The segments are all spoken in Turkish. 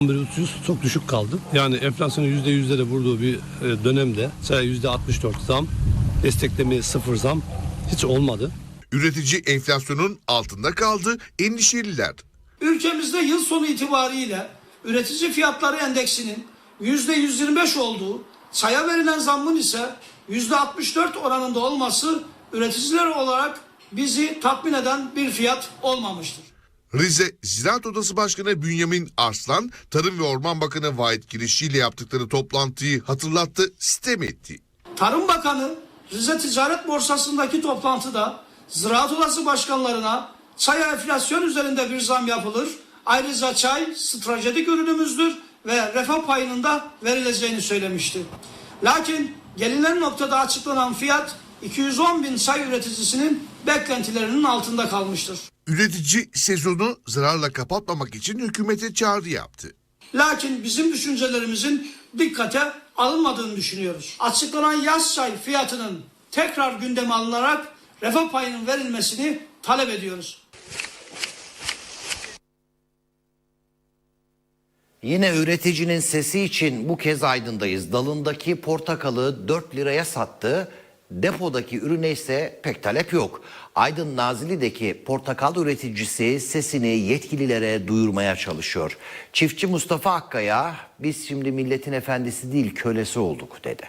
Ucuz, çok düşük kaldı. Yani enflasyonun %100'lere vurduğu bir dönemde mesela %64 zam, destekleme 0 zam hiç olmadı. Üretici enflasyonun altında kaldı, endişeliler. Ülkemizde yıl sonu itibariyle üretici fiyatları endeksinin %125 olduğu, çaya verilen zammın ise %64 oranında olması üreticiler olarak bizi tatmin eden bir fiyat olmamıştır. Rize Ziraat Odası Başkanı Bünyamin Arslan, Tarım ve Orman Bakanı Vahit Kirişçi ile yaptıkları toplantıyı hatırlattı, sitem etti. Tarım Bakanı Rize Ticaret Borsası'ndaki toplantıda Ziraat Odası başkanlarına çay enflasyon üzerinde bir zam yapılır. Ayrıca çay stratejik ürünümüzdür ve refah payının da verileceğini söylemişti. Lakin gelinen noktada açıklanan fiyat 210 bin çay üreticisinin beklentilerinin altında kalmıştır. Üretici sezonu zararla kapatmamak için hükümete çağrı yaptı. Lakin bizim düşüncelerimizin dikkate alınmadığını düşünüyoruz. Açıklanan yaz çay fiyatının tekrar gündeme alınarak refah payının verilmesini talep ediyoruz. Yine üreticinin sesi için bu kez Aydın'dayız. Dalındaki portakalı 4 liraya sattı. Depodaki ürüne ise pek talep yok. Aydın Nazilli'deki portakal üreticisi sesini yetkililere duyurmaya çalışıyor. Çiftçi Mustafa Akkaya, biz şimdi milletin efendisi değil kölesi olduk dedi.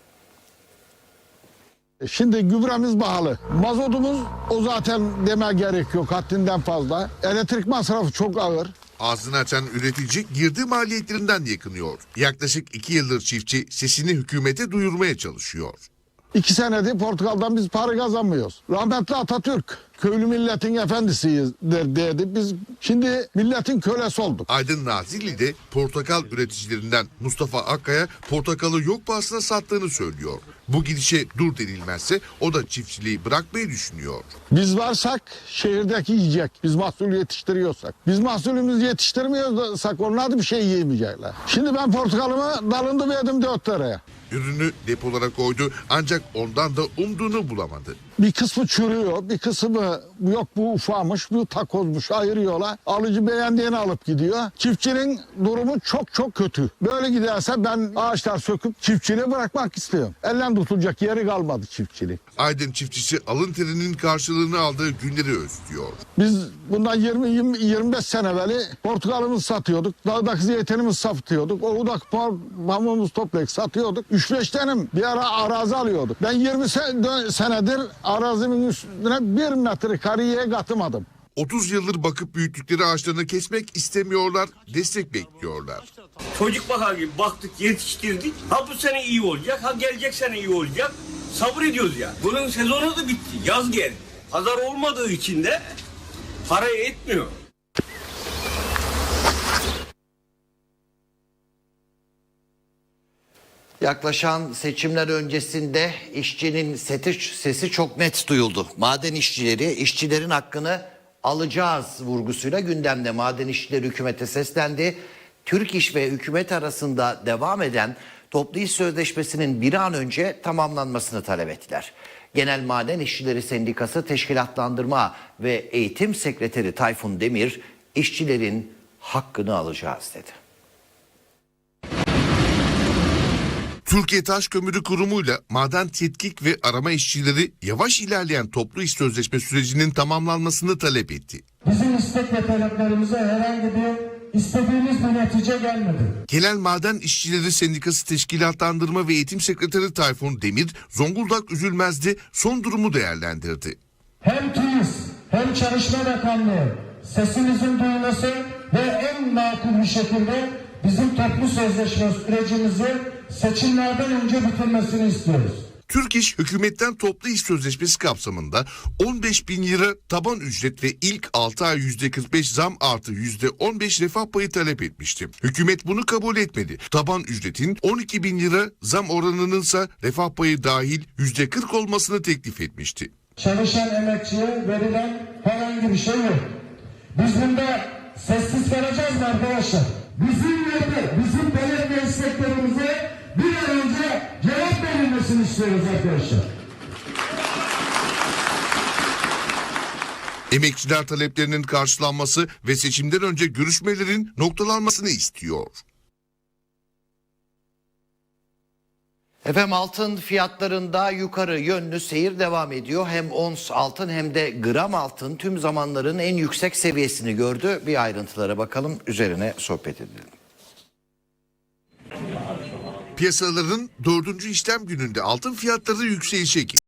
Şimdi gübremiz pahalı. Mazotumuz o zaten deme gerek yok, haddinden fazla. Elektrik masrafı çok ağır. Ağzını açan üretici girdi maliyetlerinden yakınıyor. Yaklaşık 2 yıldır çiftçi sesini hükümete duyurmaya çalışıyor. 2 senedir Portakal'dan biz para kazanmıyoruz. Rahmetli Atatürk köylü milletin efendisiyiz dedi. Biz şimdi milletin kölesi olduk. Aydın Nazilli'de portakal üreticilerinden Mustafa Akkaya portakalı yok pahasına sattığını söylüyor. Bu gidişe dur denilmezse o da çiftçiliği bırakmayı düşünüyor. Biz varsak şehirdeki yiyecek. Biz mahsul yetiştiriyorsak. Biz mahsulümüzü yetiştirmiyorsak onlar da bir şey yiyemeyecekler. Şimdi ben portakalımı dalında verdim 4 liraya. Ürünü depolara koydu ancak ondan da umduğunu bulamadı. Bir kısmı çürüyor, bir kısmı yok bu ufamış, bu takozmuş ayırıyorlar. Alıcı beğendiğini alıp gidiyor. Çiftçinin durumu çok çok kötü. Böyle giderse ben ağaçlar söküp çiftçiliği bırakmak istiyorum. Elden tutulacak yeri kalmadı çiftçilik. Aydın çiftçisi alın terinin karşılığını aldığı günleri özlüyor. Biz bundan 20-25 sene evveli portakalımızı satıyorduk. Dağdaki zeytinimizi satıyorduk. Oğudaki pamuğumuzu toplayıp satıyorduk. 3-5 tane bir ara arazi alıyorduk. Ben 20 senedir arazimin üstüne 1 metre kareye katmadım. 30 yıldır bakıp büyüttükleri ağaçlarını kesmek istemiyorlar, destek bekliyorlar. Çocuk bakar gibi baktık, yetiştirdik. Ha bu sene iyi olacak, ha gelecek sene iyi olacak. Sabır ediyoruz ya. Bunun sezonu da bitti, yaz geldi. Pazar olmadığı için de parayı etmiyor. Yaklaşan seçimler öncesinde işçinin sesi çok net duyuldu. Maden işçileri işçilerin hakkını alacağız vurgusuyla gündemde. Maden işçileri hükümete seslendi. Türk İş ve hükümet arasında devam eden toplu iş sözleşmesinin bir an önce tamamlanmasını talep ettiler. Genel Maden İşçileri Sendikası Teşkilatlandırma ve Eğitim Sekreteri Tayfun Demir, işçilerin hakkını alacağız dedi. Türkiye Taş Kömürü Kurumu'yla maden tetkik ve arama işçileri yavaş ilerleyen toplu iş sözleşme sürecinin tamamlanmasını talep etti. Bizim istek ve taleplerimize herhangi bir istediğimiz bir netice gelmedi. Genel Maden İşçileri Sendikası Teşkilatlandırma ve Eğitim Sekreteri Tayfun Demir, Zonguldak Üzülmez'de son durumu değerlendirdi. Hem TÜİS hem Çalışma Bakanlığı sesimizin duyulması ve en makul bir şekilde bizim toplu sözleşme sürecimizi seçimlerden önce bitirmesini istiyoruz. Türk İş hükümetten toplu iş sözleşmesi kapsamında 15 bin lira taban ücret ve ilk 6 ay %45 zam artı %15 refah payı talep etmişti. Hükümet bunu kabul etmedi. Taban ücretin 12 bin lira zam oranınınsa refah payı dahil %40 olmasını teklif etmişti. Çalışan emekçiye verilen herhangi bir şey yok. Biz bunda sessiz kalacağız mı arkadaşlar? Bizim belediye isteklerimize bir an önce cevap verilmesini istiyoruz arkadaşlar. Emekçiler taleplerinin karşılanması ve seçimden önce görüşmelerin noktalanmasını istiyor. Efendim altın fiyatlarında yukarı yönlü seyir devam ediyor. Hem ons altın hem de gram altın tüm zamanların en yüksek seviyesini gördü. Bir ayrıntılara bakalım, üzerine sohbet edelim. Piyasaların 4. işlem gününde altın fiyatları yükselişe geçti.